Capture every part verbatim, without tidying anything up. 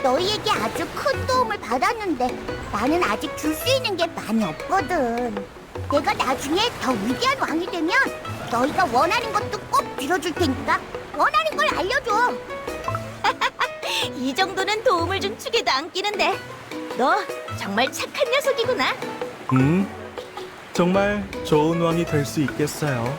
너희에게 아주 큰 도움을 받았는데 나는 아직 줄 수 있는 게 많이 없거든. 내가 나중에 더 위대한 왕이 되면 너희가 원하는 것도 꼭 빌어줄 테니까 원하는 걸 알려줘. 이 정도는 도움을 준 축에도 안 끼는데 너 정말 착한 녀석이구나. 음, 정말 좋은 왕이 될 수 있겠어요.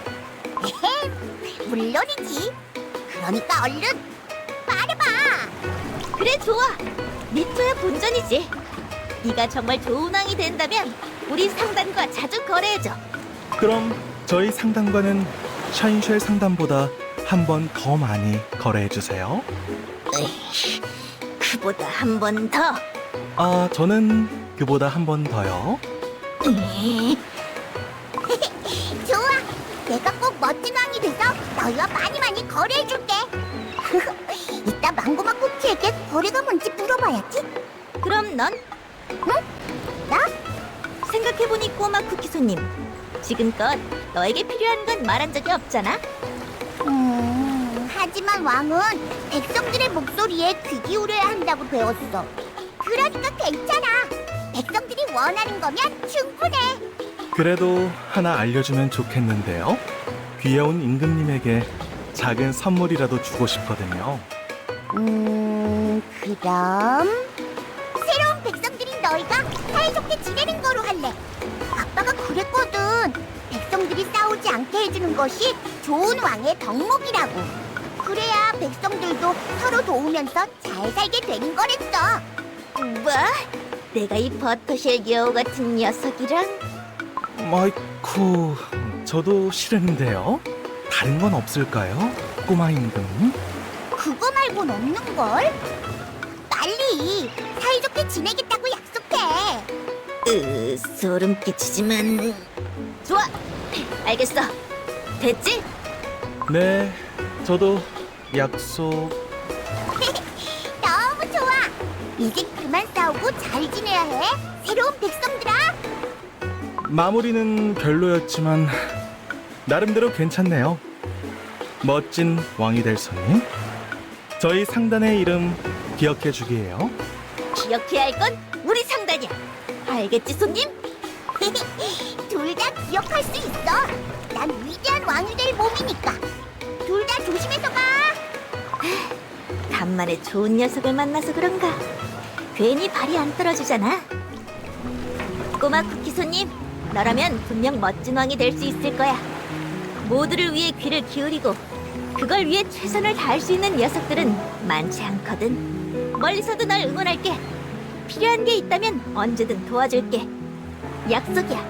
물론이지. 그러니까 얼른 말해봐. 그래, 좋아. 니토야 본전이지. 네가 정말 좋은 왕이 된다면 우리 상단과 자주 거래해줘. 그럼 저희 상담관은 샤인쉘 상담보다 한 번 더 많이 거래해 주세요. 에이, 그보다 한 번 더. 아, 저는 그보다 한 번 더요. 에이, 좋아. 내가 꼭 멋진 왕이 돼서 너희와 많이 많이 거래해줄게. 이따 망고마 쿠키에게 거래가 뭔지 물어봐야지. 그럼 넌? 나? 생각해보니 꼬마 쿠키 손님, 지금껏 너에게 필요한 건 말한 적이 없잖아. 음, 하지만 왕은 백성들의 목소리에 귀 기울여야 한다고 배웠어. 그러니까 괜찮아. 백성들이 원하는 거면 충분해. 그래도 하나 알려주면 좋겠는데요. 귀여운 임금님에게 작은 선물이라도 주고 싶거든요. 음, 그럼 새로운 백성들인 너희가 사이좋게 지내는 거로 할래. 아빠가 그랬거든. 백성들이 싸우지 않게 해주는 것이 좋은 왕의 덕목이라고. 그래야 백성들도 서로 도우면서 잘 살게 되는 거랬어. 뭐? 내가 이 버터쉘 여우 같은 녀석이랑? 마이쿠, 저도 싫은데요. 다른 건 없을까요? 꼬마 임금? 그거 말곤 없는 걸. 빨리 사이좋게 지내겠다고 약속해. 으, 소름 끼치지만 좋아, 알겠어. 됐지? 네, 저도 약속. 너무 좋아. 이제 그만 싸우고 잘 지내야 해. 새로운 백성들아. 마무리는 별로였지만 나름대로 괜찮네요. 멋진 왕이 될 손님. 저희 상단의 이름 기억해 주기예요. 기억해야 할 건 우리 상단이야. 알겠지, 손님? 둘 다 기억할 수 있어. 난 위대한 왕이 될 몸이니까. 둘 다 조심해서 가. 간만에 좋은 녀석을 만나서 그런가 괜히 발이 안 떨어지잖아. 꼬마 쿠키 손님, 너라면 분명 멋진 왕이 될 수 있을 거야. 모두를 위해 귀를 기울이고 그걸 위해 최선을 다할 수 있는 녀석들은 많지 않거든. 멀리서도 널 응원할게. 필요한 게 있다면 언제든 도와줄게. 약속이야.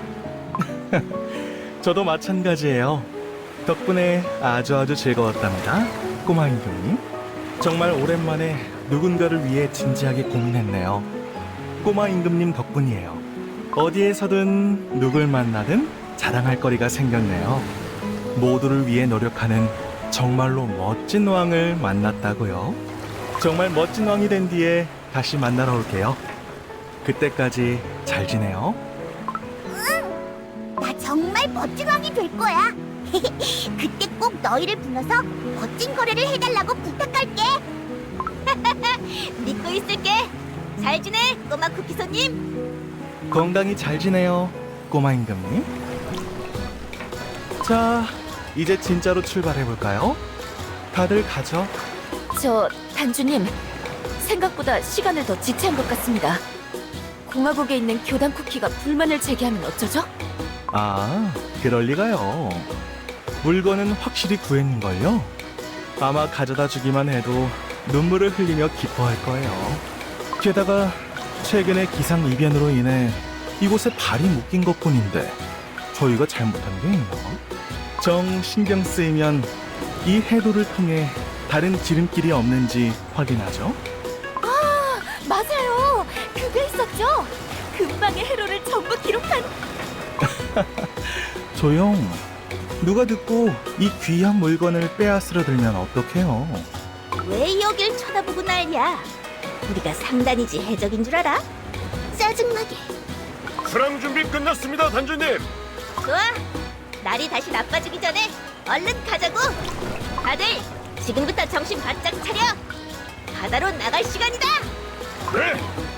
저도 마찬가지예요. 덕분에 아주 아주 즐거웠답니다. 꼬마 임금님. 정말 오랜만에 누군가를 위해 진지하게 고민했네요. 꼬마 임금님 덕분이에요. 어디에서든 누굴 만나든 자랑할 거리가 생겼네요. 모두를 위해 노력하는 정말로 멋진 왕을 만났다고요. 정말 멋진 왕이 된 뒤에 다시 만나러 올게요. 그때까지 잘 지내요. 나 정말 멋진 왕이 될 거야. 그때 꼭 너희를 불러서 멋진 거래를 해달라고 부탁할게. 믿고 있을게. 잘 지내, 꼬마 쿠키 손님. 건강히 잘 지내요, 꼬마 임금님. 자, 이제 진짜로 출발해볼까요? 다들 가죠? 저 단주님, 생각보다 시간을 더 지체한 것 같습니다. 공화국에 있는 교단 쿠키가 불만을 제기하면 어쩌죠? 아, 그럴 리가요. 물건은 확실히 구했는걸요? 아마 가져다 주기만 해도 눈물을 흘리며 기뻐할 거예요. 게다가 최근에 기상이변으로 인해 이곳에 발이 묶인 것뿐인데 저희가 잘못한 게 있나? 정 신경 쓰이면 이 해도를 통해 다른 지름길이 없는지 확인하죠. 맞아요! 그게 있었죠? 근방의 해로를 전부 기록한... 조용. 누가 듣고 이 귀한 물건을 빼앗으려 들면 어떡해요? 왜 여길 쳐다보고 난리야? 우리가 상단이지 해적인 줄 알아? 짜증나게. 수랑 준비 끝났습니다, 단주님. 좋아. 날이 다시 나빠지기 전에 얼른 가자고. 다들 지금부터 정신 바짝 차려. 바다로 나갈 시간이다. 네,